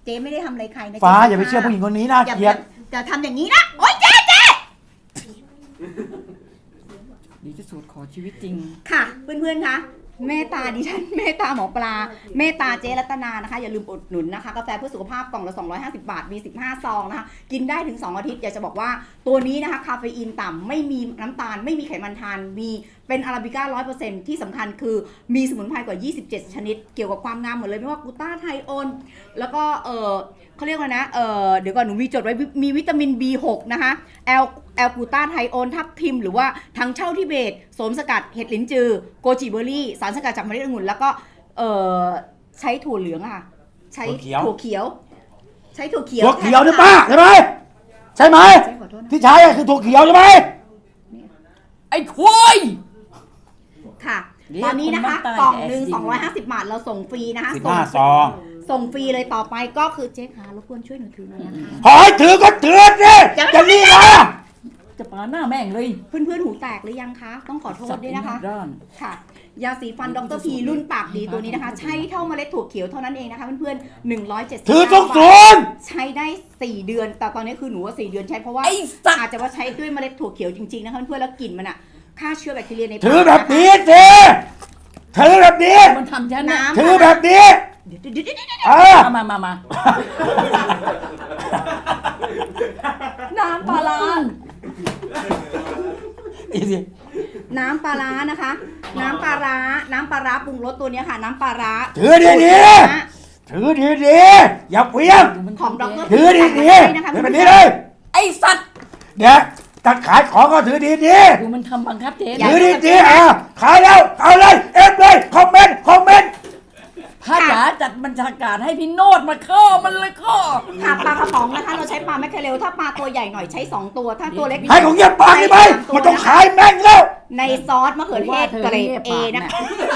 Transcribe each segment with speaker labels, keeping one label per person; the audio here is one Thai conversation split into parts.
Speaker 1: เจ๊ไม่ได้ทำอะไรใครนะ
Speaker 2: ฟ้าอย่าไปเชื่อผู้หญิงคนนี้น่าเกลียด
Speaker 1: อย่าทำอย่างนี้นะโอ๊ยเจ๊
Speaker 3: ดีที่สุดขอชีวิตจริง
Speaker 1: ค่ะเพื่อนๆคะเมตตาดิฉันเมตตาหมอปลาเมตตาเจ๊รัตนานะคะอย่าลืมอุดหนุนนะคะกาแฟเพื่อสุขภาพกล่องละ250 บาทมี15ซองนะคะกินได้ถึง2อาทิตย์อยากจะบอกว่าตัวนี้นะคะคาเฟอีนต่ำไม่มีน้ำตาลไม่มีไขมันทานมีเป็นอาราบิก้า 100% ที่สำคัญคือมีสมุนไพรกว่า27ชนิดเกี่ยวกับความงามหมดเลยไม่ว่ากูต้าไทโอนแล้วก็เขาเรียกว่านะเดี๋ยวก่อนหนูมีจดไว้มีวิตามิน B6 นะคะแอลกูต้าไทโอนทับทิมหรือว่าทั้งเช่าทิเบตโสมสกัดเห็ดลิ้นจือโกจิเบอร์รี่สารสกัดจากเมล็ดองุ่นแล้วก็ใช้ถั่วเหลืองค่ะใช้ถั่วเขียวใช้ถั่วเขียว
Speaker 2: ถั่วเขียวนี่ป้าใช่ไหมใช่ไหมที่ใช้คือถั่วเขียวใช่ไหม
Speaker 3: ไอ้ควาย
Speaker 1: ค่ะตอนนี้นะคะกล่องหนึ่ง250 บาทเราส่งฟรีนะคะ
Speaker 2: 15ซอง
Speaker 1: ส่งฟรีเลยต่อไปก็คือเจ๊ค่ะรบกวนช่วยหนูถือหน่อยนะคะ
Speaker 2: หอยถือก็ถือสิจะรีบเหรอ
Speaker 3: จะปาหน้าแม่งเลย
Speaker 1: เพื่อนๆหูแตกหรือยังคะต้องขอโทษด้วยนะคะค่ะยาสีฟันดรพีรุ่นปากดีตัวนี้นะคะใช้เท่าเมล็ดถั่วเขียวเท่านั้นเองนะคะเพื่อนๆ170
Speaker 2: ถือทุกส่วน
Speaker 1: ใช้ได้4 เดือนแต่ตอนนี้คือหนูว่า4 เดือนใช้เพราะว่าอาจจะว่าใช้ด้วยเมล็ดถั่วเขียวจริงๆนะคะเพื่อนๆแล้วกลิ่นมันอะฆ่าเชื้อแบคทีเรียในปาก
Speaker 2: ถือแบบนี้สิถือแบบนี้
Speaker 3: มันทำฉันนะ
Speaker 2: ถือแบบนี้
Speaker 3: มาน้ำปลาร้า
Speaker 1: น้ำปลาร้านะคะน้ำปลาร้าปรุงรสตัวนี้ค่ะน้ำปลาร้า
Speaker 2: ถือดีๆถือดีๆอย่าเพี้ยง
Speaker 1: ของดร
Speaker 2: ถือดีๆถือแบบนี้เลย
Speaker 3: ไอ้สัตว์
Speaker 2: เนี่ยตัดขายของก็ถือดี
Speaker 3: ดูมันทำบังคับเจ๊
Speaker 2: ถือดีๆขายแล้วเอาเลยเอฟเลยคอมเมนต์
Speaker 3: พระจ๋าจัดบัญชาการให้พี่โนดมาข้อมันเลยข้อ
Speaker 1: ค่ะปลากระป๋องนะคะเราใช้ปลาแมคเคเรลถ้าปลาตัวใหญ่หน่อยใช้2ตัวถ้าตัวเล็ก
Speaker 2: ให้ของเงียบปากได้ไหมมันต้องขายแม่งแล้ว
Speaker 1: ในซอสมะเขือเทศเกรด A นะคะ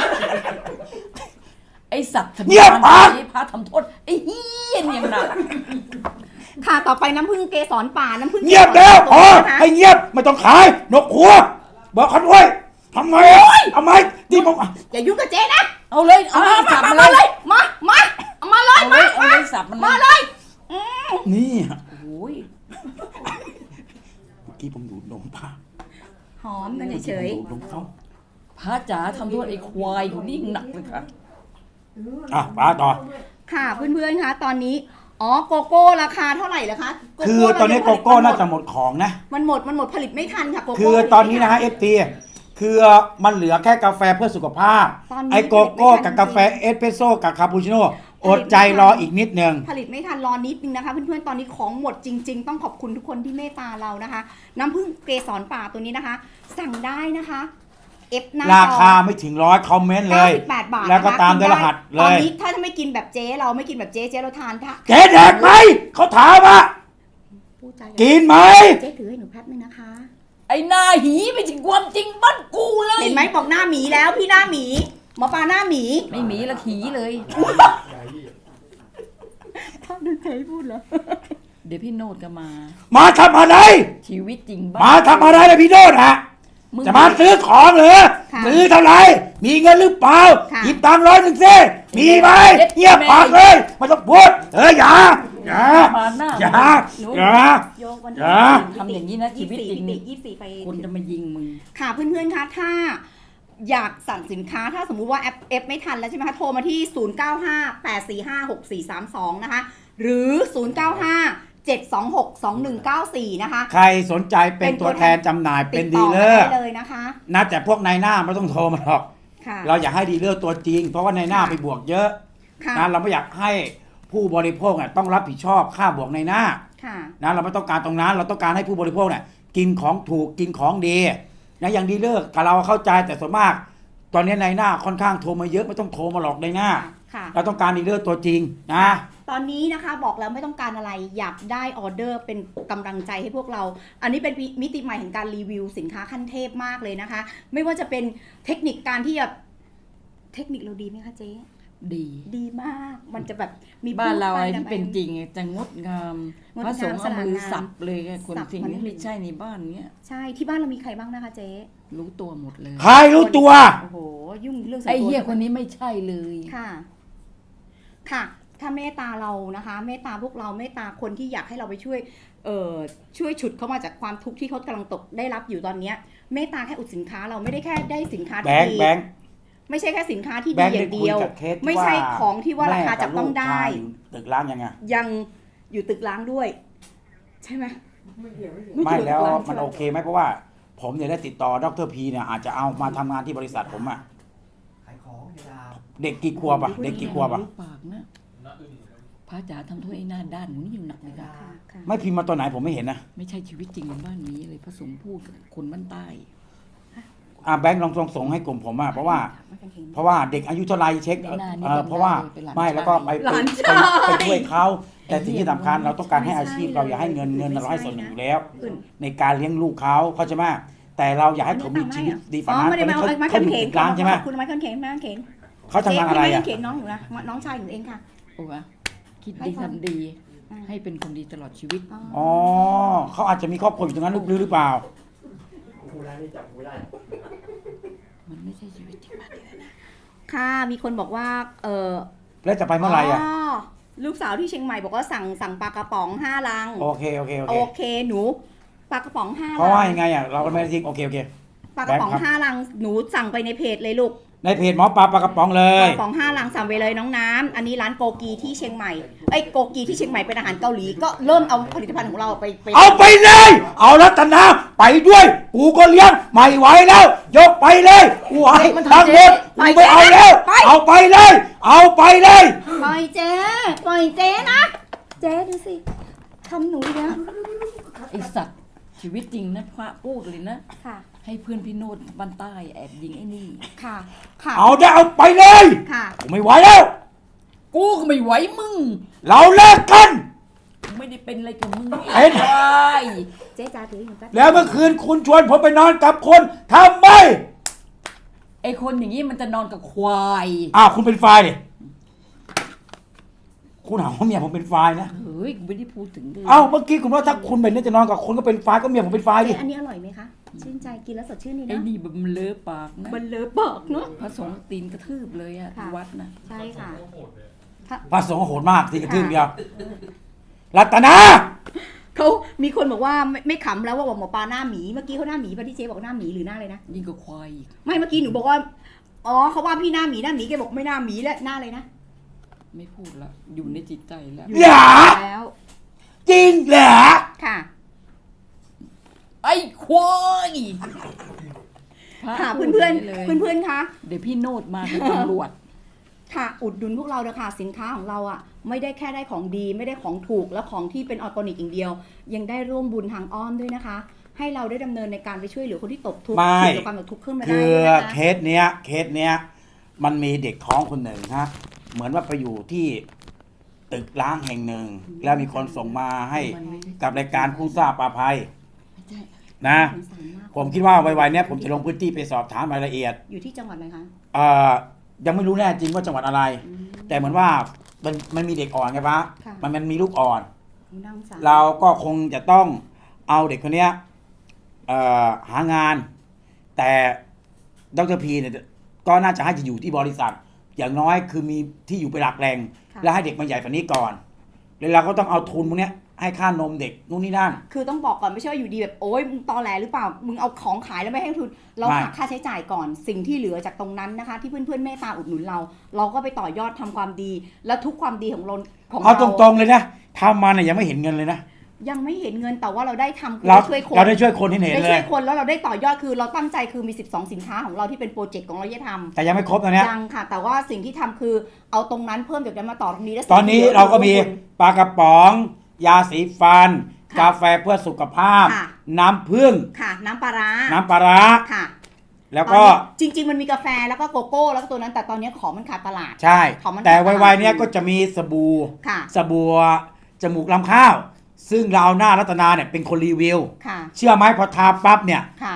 Speaker 3: ไอสัตว์
Speaker 2: เงียบปาก
Speaker 3: พระทำโทษไอ้เหี้ยอย่างหนัก
Speaker 1: ค่ะต่อไปน้ำผึ้งเกสรป่าน้ำผึ้ง
Speaker 2: เงียบแล้วพอให้เงียบไม่ต้องขายนกหัวบอกเขาด้วยทำไมที่ผม
Speaker 1: อย่ายุ่งกับเจ๊นะ
Speaker 3: เอาเลยสับมาเลย
Speaker 1: มาเลย
Speaker 3: มาสับมัน
Speaker 1: มาเลย
Speaker 2: นี่
Speaker 3: โอ้ย
Speaker 2: เมื่อกี้ผมดูดนมป้า
Speaker 1: หอมกันเฉย
Speaker 3: พระจ๋าทำโทษไอ้ควายคนนี้หนักเลยค่ะ
Speaker 2: ป้าต่อ
Speaker 1: ค่ะเพื่อนๆคะตอนนี้โกโก้ราคาเท่าไหร่ล่ะคะ
Speaker 2: คือตอนนี้โกโก้น่าจะหมดของนะ
Speaker 1: มันหมดผลิตไม่ทันค่ะโกโก้
Speaker 2: คือตอนนี้นะฮะ FT คือมันเหลือแค่กาแฟเพื่อสุขภาพไอโกโก้กับกาแฟเอสเปรสโซ่กับคาปูชิโน่อดใจรออีกนิดนึง
Speaker 1: ผลิตไม่ทันรอนิดนึงนะคะเพื่อนๆตอนนี้ของหมดจริงๆต้องขอบคุณทุกคนที่เมตตาเรานะคะน้ำผึ้งเกสรป่าตัวนี้นะคะสั่งได้นะคะ
Speaker 2: ราคาไม่ถึง100คอมเมนต์เลย
Speaker 1: 98 บาท
Speaker 2: แล้วก็ตามด้วยรหัสเลย
Speaker 1: ตอนนี้ถ้าไม่กินแบบเจ๊เราไม่กินแบบเจ๊เราทานค่ะ
Speaker 2: เจ๊แดกไหมเขาถามว่ากินไหม
Speaker 1: เจ๊ถือให้หนูแป๊บนึงนะคะ
Speaker 3: ไอ้หน้าหีไม่ถึงความจริงบ้านกูเลย
Speaker 1: เห็นไหมบอกหน้าหมีแล้วพี่หน้าหมีหมอปลาหน้าหมี
Speaker 3: ไม่หมีละหีเลย
Speaker 1: ถ้าดูใครพูดเหรอ
Speaker 3: เดี๋ยวพี่โนดก็
Speaker 2: มาทำอะไร
Speaker 3: ชีวิตจริง
Speaker 2: มาทำอะไรเลยพี่โนดฮะจะมาซื้อของเหรอซื้อเท่าไหร่มีเงินหรือเปล่าหยิบตังค์100สิมีไหมเงียบปากเลยไม่ต้องพูดอย่า
Speaker 3: ทำอย่างนี้นะชีวิตจริงคนจะมายิงมึง
Speaker 1: ค่ะเพื่อนๆคะถ้าอยากสั่งสินค้าถ้าสมมุติว่าแอปไม่ทันแล้วใช่ไหมคะโทรมาที่0958456432นะคะหรือ0957262194นะคะ
Speaker 2: ใครสนใจเป็นตัวแทนจำหน่ายเป็นดีลเลอร์
Speaker 1: เลยนะคะ
Speaker 2: นะแต่พวกนายหน้าไม่ต้องโทรมาหรอกเราอยากให้ดีลเลอร์ตัวจริงเพราะว่านายหน้าไปบวกเยอะนะเราไม่อยากให้ผู้บริโภคต้องรับผิดชอบค่าบวกนายหน้านะเราไม่ต้องการตรงนั้นเราต้องการให้ผู้บริโภคกินของถูกกินของดีนะอย่างดีลเลอร์กับเราเข้าใจแต่ส่วนมากตอนนี้นายหน้าค่อนข้างโทรมาเยอะไม่ต้องโทรมาหลอกนายหน้าเราต้องการดีลเลอร์ตัวจริงนะ
Speaker 1: ตอนนี้นะคะบอกแล้วไม่ต้องการอะไรอยากได้ออเดอร์เป็นกำลังใจให้พวกเราอันนี้เป็นมิติใหม่แห่งการรีวิวสินค้าขั้นเทพมากเลยนะคะไม่ว่าจะเป็นเทคนิคการที่จะเทคนิคเราดีไหมคะเจ๊ดีมากมันจะแบบ
Speaker 3: มีบ้านเราอะไรที่เป็นจริงจะงดงามพระสงฆ์เอามือสับเลยคนสิ่งนี้ไม่ใช่ในบ้านเนี้ย
Speaker 1: ใช่ที่บ้านเรามีใครบ้างนะคะเจ๊
Speaker 3: รู้ตัวหมดเลย
Speaker 2: ใครรู้ตัว
Speaker 1: โอ้โหยุ่งเรื่อง
Speaker 3: ไอ้เหี้ยคนนี้ไม่ใช่เลย
Speaker 1: ค่ะถ้าเมตตาเรานะคะเมตตาพวกเราเมตตาคนที่อยากให้เราไปช่วยช่วยฉุดเขามาจากความทุกข์ที่เขากำลังตกได้รับอยู่ตอนเนี้ยเมตตาแค่อุดสินค้าเราไม่ได้แค่ได้สินค้า
Speaker 2: แบ
Speaker 1: ที่
Speaker 2: งค์
Speaker 1: ดี
Speaker 2: แบงค์
Speaker 1: ไม่ใช่แค่สินค้าที่
Speaker 2: แบ
Speaker 1: ดี
Speaker 2: งค์
Speaker 1: อย่างเดียว
Speaker 2: ได้คุยกับเคสที่
Speaker 1: ไม่ใช่ของที่ว่าราคาจับต้องได้
Speaker 2: แม่กับลูกชายอยู่ตึกร้างยังไง
Speaker 1: ยังอยู่ตึกล้างด้วย ใช่ไหม
Speaker 2: ไม่แล้วมันโอเคไหมเพราะว่าผมเนี่ยได้ติดต่อดรพีเนี่ยอาจจะเอามาทำงานที่บริษัทผมอะ
Speaker 4: ขายของเวลา
Speaker 2: เด็กกี่ขวบอะเด็กกี่ขวบอะ
Speaker 3: ปากนะพระจ๋าทำโทษไอ้หน้าด้านหนูนี่อยู่หนักเลยค่ะ
Speaker 1: ค่ะ
Speaker 2: ไม่พิมพ์มาตัวไหนผมไม่เห็นนะ
Speaker 3: ไม่ใช่ชีวิตจริงในบ้านนี้เลยพระสงฆ์พูดกับคนบ้านใต้
Speaker 2: แบงค์ลองส่งให้กลุ่มผมอะเพราะว่าเด็กอายุเท่าไรเช็คเพราะว่าไม่แล้วก็ไปช่วยเขาแต่สิ่งที่สำคัญเราต้องการให้อาชีพเราอย่าให้เงินเราให้ส่วนหนึ่งอยู่แล้ว ในการเลี้ยงลูกเขาใช่ไหมแต่เราอยากให้เขามีชีวิตดีฝันนั้น
Speaker 1: ไม่ได้มาเอาไม้
Speaker 2: เขา
Speaker 1: ขัน
Speaker 2: อยู่
Speaker 1: เขน
Speaker 2: ตึกร้างใช่ไหม
Speaker 1: คุณไม้ขันเขนไม้ขันเขน
Speaker 2: เขาทำงานอะไร
Speaker 1: ไม้ขั
Speaker 2: อะ
Speaker 1: นเขนน้องอยู่นะน้องชายอยู่เองค่ะ
Speaker 3: โอ้วะคิดดีทำดี ให้เป็นคนดีตลอดชีวิต
Speaker 2: อ๋อเขาอาจจะมีครอบครัวอยู่ตรงนั้นหรือเปล่า
Speaker 4: กูได้ไม่จับกูได้
Speaker 3: มันไม่ใช่ชีวิตจริงบ้านนี้นะ
Speaker 1: ค่ะมีคนบอกว่า
Speaker 2: แล้วจะไปเมื่อไหร่อะ
Speaker 1: ลูกสาวที่เชียงใหม่บอกว่าสั่งปลากระป๋อง5 ลัง
Speaker 2: โอเค
Speaker 1: โอเคหนูปลากระป๋อง5
Speaker 2: เพราะ
Speaker 1: ลั
Speaker 2: ว่ายังไงอะเราก็ไม่ได้ทิ้งโอเค
Speaker 1: ปลากระป๋อง5 ลังหนูสั่งไปในเพจเลยลูก
Speaker 2: ในเพจหมอปลากระป๋องเล
Speaker 1: ป
Speaker 2: ย
Speaker 1: ลากระป๋อง5 ลังสั่งไปเลยน้องน้ำอันนี้ร้านโกกีที่เชียงใหม่โกกีที่เชียงใหม่เป็นอาหารเกาหลีก็เริ่มเอาผลิตภัณฑ์ของเราไป
Speaker 2: เอาไปเลย เอารัตนาไปด้วยกูก็เลี้ยงไม่ไหวแล้ว ยกไปเลยกูให้ทั้งหมดกูไม่เอาแล้วเอาไปเลย เอาไปเลย
Speaker 1: ปล่อยเจ๊นะเจ๊ดูสิทำหนูนะ
Speaker 3: ไอสัตว์ชีวิตจริงนะพระพูดเลยนะ
Speaker 1: ค่ะ
Speaker 3: ให้เพื่อนพี่โนดบ้านใต้แอบยิงไอ้นี่
Speaker 1: ค่ะ
Speaker 2: เอาได้เอาไปเลย
Speaker 1: ค่ะ
Speaker 2: กูไม่ไหวแล้ว
Speaker 3: กูก็ไม่ไหวมึง
Speaker 2: เราเลิกกัน
Speaker 3: กูไม่ได้เป็นอะไรกับมึง
Speaker 2: เอ็น
Speaker 3: ไอ้
Speaker 1: เจ๊จ๋าถืออยู่แป๊บ
Speaker 2: แล้วเมื่อคืนคุณชวนผมไปนอนกับคนทำไม
Speaker 3: ไอ้คนอย่างนี้มันจะนอนกับควาย
Speaker 2: คุณเป็นไฟล์ดิคุณหาว่าเมียผมเป็นไฟล์นะ
Speaker 3: เฮ้ยกูไม่ได้พูดถึงเลย
Speaker 2: เมื่อกี้คุณว่าถ้าคุณเป็นเนี่ยจะนอนกับคนก็เป็นไฟล์ก็เมียผมเป็นไฟล์ดิ
Speaker 1: เจ๊อันนี้อร่อยไหมคะชื่นใจกินแล้วสดชื่นนี่
Speaker 3: ไอ้
Speaker 1: นะ
Speaker 3: นี่มันเลอะปากนะ
Speaker 1: มันเลอะปากเนาะ
Speaker 3: พระสงฆ์ตีนกระทืบเลยอะ
Speaker 1: ค่ะ
Speaker 3: ที่วัดนะ
Speaker 1: ใช่ค่ะ
Speaker 2: พระสงฆ์โหดมากที่กระทืบเดียวรัตนา
Speaker 1: เขามีคนบอกว่าไม่ขำแล้วว่าบอกหมอปลาหน้าหมีเมื่อกี้เขาหน้าหมีป่ะที่เจ๊บอกหน้าหมีหรือหน้าอะไรนะ
Speaker 3: ยิ่งกว่าควายอีก
Speaker 1: ไม่เมื่อกี้หนูบอกว่าอ๋อเขาว่าพี่หน้าหมีแกบอกไม่หน้าหมีแล้วหน้าอะไรนะ
Speaker 3: ไม่พูดละอยู่ในจิตใจแล้ว
Speaker 2: เหรอ
Speaker 1: แล้ว
Speaker 2: จริงเหรอ
Speaker 1: ค่ะ
Speaker 3: ไอ้ควายพระ
Speaker 1: ค่ะ
Speaker 3: พูด
Speaker 1: เพื่อน
Speaker 3: ย่างลย
Speaker 1: เพื่อนๆคะ
Speaker 3: เดี๋ยวพี่โนดมาเป็นตำรวจ
Speaker 1: ค่ะอุดหนุนพวกเราเลยค่ะสินค้าของเราอ่ะไม่ได้แค่ได้ของดีไม่ได้ของถูกและของที่เป็นออร์แกนิกอย่างเดียว ยังได้ร่วมบุญทางอ้อมด้วยนะคะ ให้เราได้ดำเนินในการไปช่วยเหลือคนที่ตกทุกข์ถูกกับความตกทุกข์ขึ้นมาได้
Speaker 2: คือ
Speaker 1: ด้วยนะคะ
Speaker 2: เคสเนี้ยมันมีเด็กท้องคนหนึ่งฮะเหมือนว่าไปอยู่ที่ตึกร้างแห่งหนึ่ง แล้วมีคนส่งมาให้กับรายการคู่ทราบปลาภัย
Speaker 3: ไม่ใช่
Speaker 2: นะ
Speaker 1: สงสารมาก
Speaker 2: ผมคิดว่าไวๆเนี้ยผมจะลงพื้นที่ไปสอบถามรายละเอียด
Speaker 1: อยู่ที่จังหวัดอะไรคะ
Speaker 2: ยังไม่รู้แน่จริงว่าจังหวัดอะไร แต่เหมือนว่ามันมีเด็กอ่อนไงปะ
Speaker 1: ค่ะ
Speaker 2: มันมีลูกอ่อน
Speaker 1: น่าสงสาร
Speaker 2: เราก็คงจะต้องเอาเด็กคนเนี้ยหางาน แต่ดรพีเนี่ยก็น่าจะให้จะอยู่ที่บริษัท อย่างน้อยคือมีที่อยู่เป็นหลักแหล่งแล้วให้เด็กมาใหญ่กว่านี้ก่อนแล้วเราก็ต้องเอาทุนพวกเนี้ยให้ค่านมเด็กนู่นนี่นั่น
Speaker 1: คือต้องบอกก่อนไม่ใช่ว่าอยู่ดีแบบโอ๊ยมึงตอแหลหรือเปล่ามึงเอาของขายแล้วไม่ให้ทุนเรา
Speaker 2: ไม่
Speaker 1: หักค่าใช้จ่ายก่อนสิ่งที่เหลือจากตรงนั้นนะคะ ที่เพื่อนๆเมตตาอุดหนุนเรา เราก็ไปต่อยอดทำความดี แล้วทุกความดีของเรา
Speaker 2: เอาตรงๆเลยนะทำมาเนี่ยยังไม่เห็นเงินเลยนะ
Speaker 1: ยังไม่เห็นเงินแต่ว่าเราได้ทำคือ
Speaker 2: เรา
Speaker 1: ได้ช่วยคน
Speaker 2: เราได้ช่วยคนเห็น
Speaker 1: ได้
Speaker 2: เล
Speaker 1: ช่วย ยคนแล้วเราได้ต่อยอดคือเราตั้งใจคือมี12สินค้าของเราที่เป็นโปรเจกต์ของเราที่ทำ
Speaker 2: แต่ยังไม่ครบตอนเนี้ย
Speaker 1: ยังค่ะ แต่ว่าสิ่งที่ทำคือเอาตรงนั้นเพิ่มจากนั้นมาต่อตรงนี้แล้ว
Speaker 2: ตอนนี้เราก็มีปลากระป๋อง ยาสีฟัน กาแฟเพื่อสุขภาพ น้ำผึ้ง
Speaker 1: ค่ะ น้ำปลาร้า
Speaker 2: น้ำปลาร้า
Speaker 1: ค่ะ
Speaker 2: แล้วก็
Speaker 1: ตอนนี้จริง ๆ มันมีกาแฟแล้วก็โกโก้แล้วก็ตัวนั้นแต่ตอนนี้ของมันขาดตลาด
Speaker 2: ใช่
Speaker 1: ของมัน
Speaker 2: แต่
Speaker 1: ขาดตลาด
Speaker 2: ไวๆเนี้ยก็จะมีสบู่
Speaker 1: ค่ะ
Speaker 2: สบู่จมูกลำข้าว ซึ่งเราหน้ารัตนาเนี่ยเป็นคนรีวิว
Speaker 1: ค่ะ
Speaker 2: เชื่อไหมพอทาปั๊บเนี่ย
Speaker 1: ค่ะ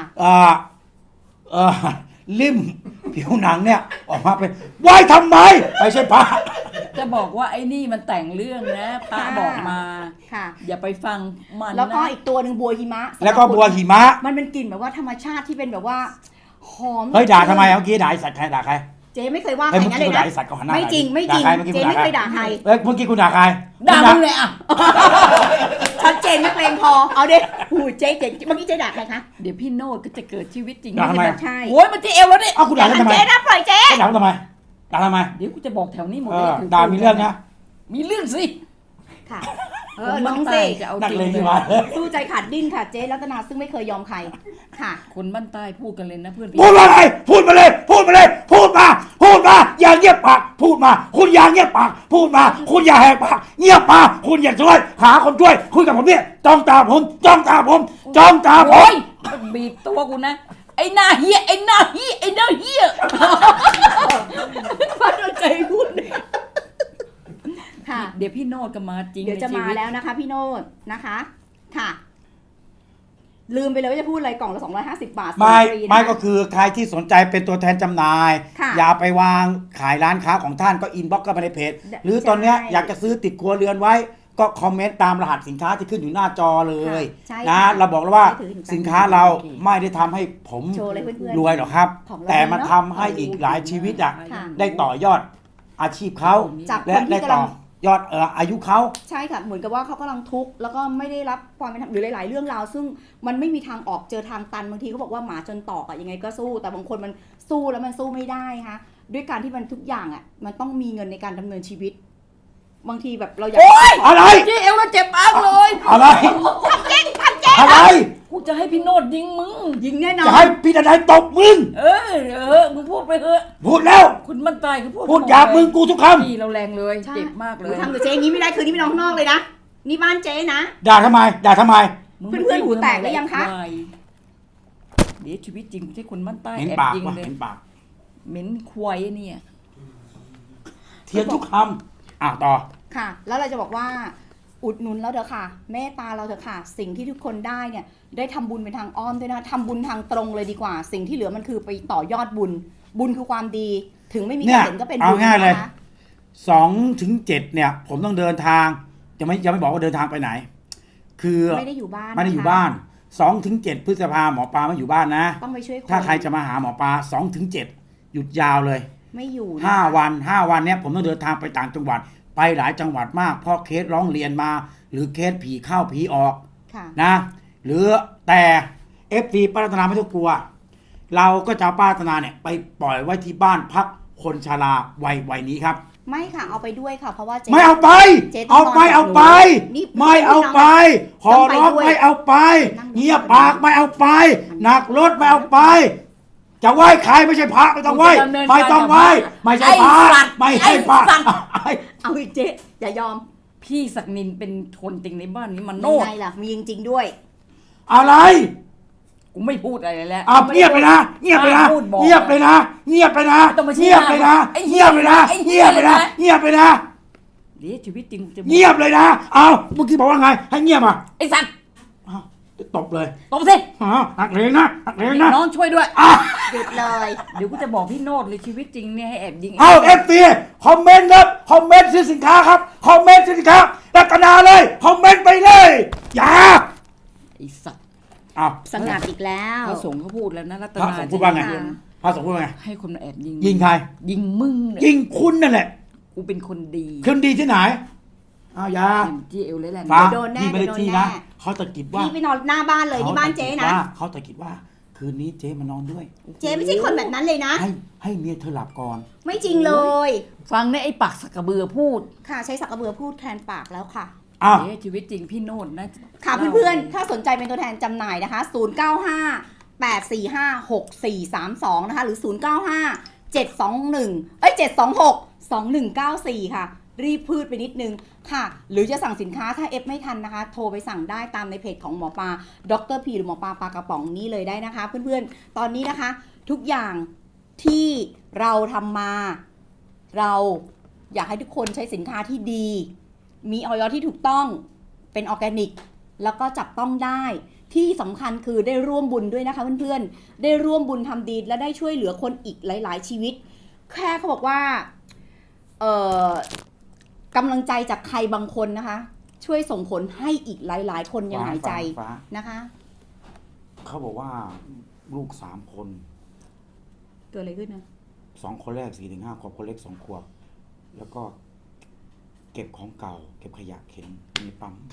Speaker 2: ลิ่มผิวหนังเนี่ยออกมาเป็นไหวทำไมไม่ใช่พระ
Speaker 3: จะบอกว่าไอ้นี่มันแต่งเรื่องนะป้า
Speaker 1: ค่ะ
Speaker 3: บอกมา
Speaker 1: ค่ะ
Speaker 3: อย่าไปฟังมัน
Speaker 1: แล้วก็
Speaker 3: นะ
Speaker 1: อีกตัวหนึ่งบัวหิมะ
Speaker 2: แล้วก็บัวหิมะ
Speaker 1: มันเป็นกลิ่นแบบว่าธรรมชาติที่เป็นแบบว่าหอม
Speaker 2: เฮ้ยด่าทำไมเมื่อกี้ด่าไอ้สัตว์ใครด่าใคร
Speaker 1: เจ๊ไม่เคยว่าใค
Speaker 2: เฮ้
Speaker 1: ร
Speaker 2: ยเมื่อ
Speaker 1: งั้น
Speaker 2: กี้
Speaker 1: เลย
Speaker 2: คุณด่า
Speaker 1: นะ
Speaker 2: ไอ้สัตว์ก็หันหน้า
Speaker 1: ไม่จริงไม่จริง
Speaker 2: ด่าใครเมื่อกี้
Speaker 1: เจ๊
Speaker 2: คุณด่า
Speaker 1: ไม่
Speaker 2: ใค
Speaker 1: เค
Speaker 2: ร
Speaker 1: ยด่าใคร
Speaker 2: เอ้ยเมื่อกี้คุณด่าใคร
Speaker 3: ด่า
Speaker 2: คุณ
Speaker 3: มึงเลยอ่ะ
Speaker 1: ชัดเจนนักเลงพอเอาดิหูเจ๊เมื่อกี้เจ๊ด่าใครคะ
Speaker 3: เดี๋ยวพี่โนดก็จะเกิดชีวิตจริง
Speaker 2: ด่าทำไม
Speaker 1: ใช่
Speaker 3: โอ้ยมันที่เอวแล้วเนี่ย
Speaker 2: เอ้าคุณด่าฉันทำไม
Speaker 1: เจ๊นะปล่อยเจ๊
Speaker 2: ด่าทำไมด่าทำไม
Speaker 3: เดี๋ยวกูจะบอกแถวนี้หมด
Speaker 2: เอ
Speaker 3: เลย
Speaker 2: อด่ามีเรื่องนะ
Speaker 3: มีเรื่องสิ
Speaker 1: ค่ะ
Speaker 3: คน
Speaker 1: น้
Speaker 3: บ้า
Speaker 1: อง
Speaker 3: น
Speaker 1: สิ
Speaker 3: ใต้จะเอา
Speaker 2: นัก
Speaker 3: จริง
Speaker 2: เลง
Speaker 3: เล
Speaker 2: ที่
Speaker 3: ย
Speaker 2: มา
Speaker 1: สู้ใจขาดดิ้นค่ะเจ๊รัตนาซึ่งไม่เคยยอมใครค่ะ
Speaker 3: คนบ้านใต้พูดกันเลยนะเพื่อนพี่
Speaker 2: พูดมาเลยพูดมาเลยพูดมาเลยพูดมาพูดมาอย่าเงียบปากพูดมาคุณอย่าเงียบปากพูดมาคุณอย่าแหกปากเงียบปากคุณอย่าช่วยหาคนช่วยคุยกับผมเนี่ยจ้องตาผมจ้องตาผมจ้องตาผ
Speaker 3: โอ้
Speaker 2: ม
Speaker 3: ยบีบตัวกูนะไอ้หน้าเฮียไอ้หน้าเฮียไอ้หน้าเฮีย
Speaker 1: ฟัดใจพูดค่ะ
Speaker 3: เดี๋ยวพี่โนดก็มาจริง
Speaker 1: เดี๋ยวจะ
Speaker 3: ในชี
Speaker 1: มา
Speaker 3: วิต
Speaker 1: แล้วนะคะพี่โนดนะคะ ค่ะ ลืมไปเลยว่าจะพูดอะไรกล่องละ250 บาท
Speaker 2: ไม่
Speaker 1: ฟรีนะคะ
Speaker 2: ไม่ก็คือใครที่สนใจเป็นตัวแทนจำหน่าย
Speaker 1: ค่ะ
Speaker 2: อย่าไปวางขายร้านค้าของท่านก็อินบ็อกซ์เข้ามาในเพจ
Speaker 1: ได้
Speaker 2: หรือตอนเนี้ย
Speaker 1: ใช่
Speaker 2: อยากจะซื้อติดครัวเรือนไว้ ก็คอมเมนต์ตามรหัสสินค้าที่ขึ้นอยู่หน้าจอเลย
Speaker 1: ใช่
Speaker 2: นะ
Speaker 1: ค่ะ
Speaker 2: เราบอกแล้วว่า
Speaker 1: ใช่ถือ
Speaker 2: สินค้าเราไม่ได้ทำให้ผม
Speaker 1: โชว์เลยเพื่อนๆ
Speaker 2: รวยหรอกครับ
Speaker 1: ของเรา
Speaker 2: แต่มัน
Speaker 1: เนอะ
Speaker 2: ทำให้อีกหลายชีวิตอ่ะ
Speaker 1: ค่ะ
Speaker 2: ได้ต่อยอดอาชีพเขา
Speaker 1: จาก
Speaker 2: และ
Speaker 1: คน
Speaker 2: ได้
Speaker 1: ที่กำ
Speaker 2: ต่
Speaker 1: ลั
Speaker 2: อง ยอดอายุเขา
Speaker 1: ใช่ค่ะ เหมือนกับว่าเขากำลังทุกข์แล้วก็ไม่ได้รับความเป็นธรรมหรือหลาย ๆ เรื่องราว ซึ่งมันไม่มีทางออกเจอทางตันบางทีเขาบอกว่าหมาจนตอกอะยังไงก็สู้ แต่บางคนมันสู้แล้วมันสู้ไม่ได้ค่ะด้วยการที่มันทุกอย่างอะมันต้องมีเงินในการดำเนินชีวิต บางทีแบบเราอยาก
Speaker 3: โอ๊ย
Speaker 2: อะไร
Speaker 3: เจ๊เอวแล้วเจ็บมากเลย
Speaker 2: อะไรอะไร
Speaker 3: กูจะให้พี่โนดยิงมึง
Speaker 1: ยิงแน่นอ
Speaker 2: จะ
Speaker 1: น
Speaker 2: ให้พี่ดนายตบมึง
Speaker 3: มึงพูดไปเถอะ
Speaker 2: พูดแล้ว
Speaker 3: คุณบ้านใต้เขาพูด
Speaker 2: พูดหยาบมึงกูทุกค
Speaker 3: พี่เราแรงเลย
Speaker 1: ใช่
Speaker 3: เจ็บมากเลย
Speaker 1: ทำกับเจ๊อย่างนี้ไม่ได้คืนนี้ไม่นอนข้างนอกเลยนะนี่บ้านเจ๊นะ
Speaker 2: ำด่าทำไมด่าทำไม
Speaker 3: มึง
Speaker 1: เพื่อนๆหูแตกหรือยังคะ
Speaker 3: วายเดี๋ยวชีวิตจริงไม่ใช่คนบ้านใต้
Speaker 2: เห็น
Speaker 3: แอบ
Speaker 2: ปาก
Speaker 3: ยิง
Speaker 2: วะ
Speaker 3: เลย
Speaker 2: เห็นปาก
Speaker 3: เหม็นควายเนี่ย
Speaker 2: เทียนทุกคำต่อ
Speaker 1: ค่ะ แล้วเราจะบอกว่าอุดหนุนเราเถอะค่ะเมตตาเราเถอะค่ะ สิ่งที่ทุกคนได้เนี่ยได้ทำบุญเป็นทางอ้อมด้วยนะทำบุญทางตรงเลยดีกว่า สิ่งที่เหลือมันคือไปต่อยอดบุญ บุญคือความดี ถึงไม่มี
Speaker 2: เนี่
Speaker 1: ใคร
Speaker 2: ย
Speaker 1: เห็นก็เป็น
Speaker 2: เอา
Speaker 1: บุญ
Speaker 2: ง่ายเลย
Speaker 1: นะคะ
Speaker 2: 2-7เนี่ย ผมต้องเดินทางยังไม่บอกว่าเดินทางไปไหน คือ
Speaker 1: ไม่ได้อยู่บ้าน
Speaker 2: ไม่ได้อยู่
Speaker 1: นะคะ
Speaker 2: บ้าน2-7 พฤษภาหมอปลาไม่อยู่บ้านนะ
Speaker 1: ต้องไปช่วยคน
Speaker 2: ถ้าใครจะมาหาหมอปลา2-7 หยุดยาวเลย
Speaker 1: ไม่อยู่นะคะ
Speaker 2: 5 วันเนี่ยผมต้องเดินทางไปต่างจังหวัด ไปหลายจังหวัดมากเพราะเคสร้องเรียนมา หรือเคสผีเข้าผีออก
Speaker 1: ค่ะ
Speaker 2: นะหรือแต่ FD ป้ารัตนาไม่ต้องกลัว เราก็จะเอาป้ารัตนาเนี่ยไปปล่อยไว้ที่บ้านพักคนชราวัยนี้ครับ
Speaker 1: ไม่ค่ะเอาไปด้วยค่ะ เพราะว่าเจ๊
Speaker 2: ไม่เอาไป
Speaker 1: เจ๊ต้อง
Speaker 2: เอาไป
Speaker 1: นอนกับ
Speaker 2: เอาไป
Speaker 1: หนูนี่
Speaker 2: ไม่เอาไป ขอ
Speaker 1: ต้องไป
Speaker 2: ร้อง
Speaker 1: ด้วย
Speaker 2: ไม่เอาไป
Speaker 1: นั่ง
Speaker 2: เงียบปากไม่เอาไปหนักรถไม่เอาไป จะไหว้ใครไม่ใช่พระไม่ต้องไหว้ไม่ต้องไหว้ไม่ใช่พระไม่ใช่พระ
Speaker 1: เอาอีกเจ๊อย่ายอม
Speaker 3: พี่ศักนินเป็นคนจริงในบ้านนี้มันโน
Speaker 1: ยัง
Speaker 3: ด
Speaker 1: ไงล่ะมีจริงๆด้วย
Speaker 2: อะไร
Speaker 3: กูไม่พูดอะไรแล้ว
Speaker 2: เอาเงียบไปนะเงียบไปนะ
Speaker 3: พูดบอก
Speaker 2: เงียบไปนะเงียบไปนะ
Speaker 3: ไม่ต้องมาชี้
Speaker 2: เงียบไปนะ
Speaker 3: ไอ้เหี้
Speaker 2: เงี
Speaker 3: ย
Speaker 2: ยบไปนะ
Speaker 3: ไอ้เหี้
Speaker 2: เงี
Speaker 3: ย
Speaker 2: ยบไปนะ
Speaker 3: เลยนะ
Speaker 2: เงียบไปนะ
Speaker 3: เดี๋ยวชีวิตจริงกูจะ
Speaker 2: เงียบเลยนะเอาเมื่อกี้บอกว่าไง ให้เงียบอ่ะ
Speaker 3: ไอ้สัตว์
Speaker 2: อ้าวตบเลย
Speaker 3: ตบสิ
Speaker 2: หักเลงนะหักเลงนะ
Speaker 3: น้องช่วยด้วย
Speaker 1: หยุดเลย
Speaker 3: เดี๋ยวกูจะบอกพี่โนดเลยชีวิตจริงเนี่ยให้แอบยิง
Speaker 2: เอาเอฟซีคอมเมนต์ครับคอมเมนต์ซื้อสินค้าครับคอมเมนต์ซื้อสินค้ารัตนาเลยคอมเมนต์ไปเลยอย่า
Speaker 3: ไอ้สัตว์
Speaker 2: เอา
Speaker 1: สงัดอีกแล้ว
Speaker 3: พระสงฆ์เขาพูดแล้วนะรัต
Speaker 2: พระ
Speaker 3: นา
Speaker 2: สงฆ์พูดว่าไง
Speaker 3: จะเย็น
Speaker 2: พระสงฆ์พูดว่าไง
Speaker 3: ให้คนมาแอบยิง
Speaker 2: ยิงใคร
Speaker 3: ยิงมึงเนี่ย
Speaker 2: ยิงคุณนั่นแหละ
Speaker 3: กูเป็นคนดี
Speaker 2: คืนดีที่ไหนเอาอย่า
Speaker 3: ที่เอวเลยแหละ
Speaker 2: ฟ้า
Speaker 1: โดนแน่
Speaker 2: พี่ไม่ได้
Speaker 1: โดน
Speaker 2: ที่
Speaker 1: แน่
Speaker 2: นะเขาตะกิดว่า
Speaker 1: พี่ไปนอนหน้าบ้านเลยนี่บ้านเจ๊นะ
Speaker 2: เขาตะกิดว่าคืนนี้เจ๊มานอนด้วย
Speaker 1: เจ๊ไม่ใช่คนแบบนั้นเลยนะ
Speaker 2: ให้เมียเธอหลับก่อน
Speaker 1: ไม่จริงเลย
Speaker 3: ฟังเนี่ยไอ้ปักสักกระเบือพูด
Speaker 1: ค่ะใช้สักกระเบือพูดแทนปากแล้วค่ะ
Speaker 2: อ้าว
Speaker 3: เดี๋ยวชีวิตจริงพี่โนดนะ
Speaker 1: ค่ะเพื่อนๆ ถ้าสนใจเป็นตัวแทนจำหน่ายนะคะ 095 845 6432 นะคะ หรือ 095 721 726 2194 ค่ะ รีบพืดไปนิดนึงค่ะ หรือจะสั่งสินค้าถ้าเอฟไม่ทันนะคะ โทรไปสั่งได้ตามในเพจของหมอปลาดรพีหรือหมอปลาปลากระป๋องนี้เลยได้นะคะ เพื่อนๆ ตอนนี้นะคะ ทุกอย่างที่เราทำมา เราอยากให้ทุกคนใช้สินค้าที่ดี มีออยที่ถูกต้องเป็นออร์แกนิก แล้วก็จับต้องได้ที่สำคัญคือได้ร่วมบุญด้วยนะคะเพื่อนๆได้ร่วมบุญทำดีและได้ช่วยเหลือคนอีกหลาย ๆ ชีวิต แค่เขาบอกว่ากำลังใจจากใครบางคนนะคะ ช่วยส่งผลให้อีกหลาย ๆ คนยังหายใจ
Speaker 2: ฟ้า
Speaker 1: นะคะ
Speaker 2: เขาบอกว่าลูก3 คน
Speaker 1: เกิดอะไรขึ้นนะ
Speaker 2: 2 คนแรก 4-5 ขวบ คนเล็ก 2 ขวบ แล้วก็เก็บของเก่า เก็บขยะเข็นมีปั๊ม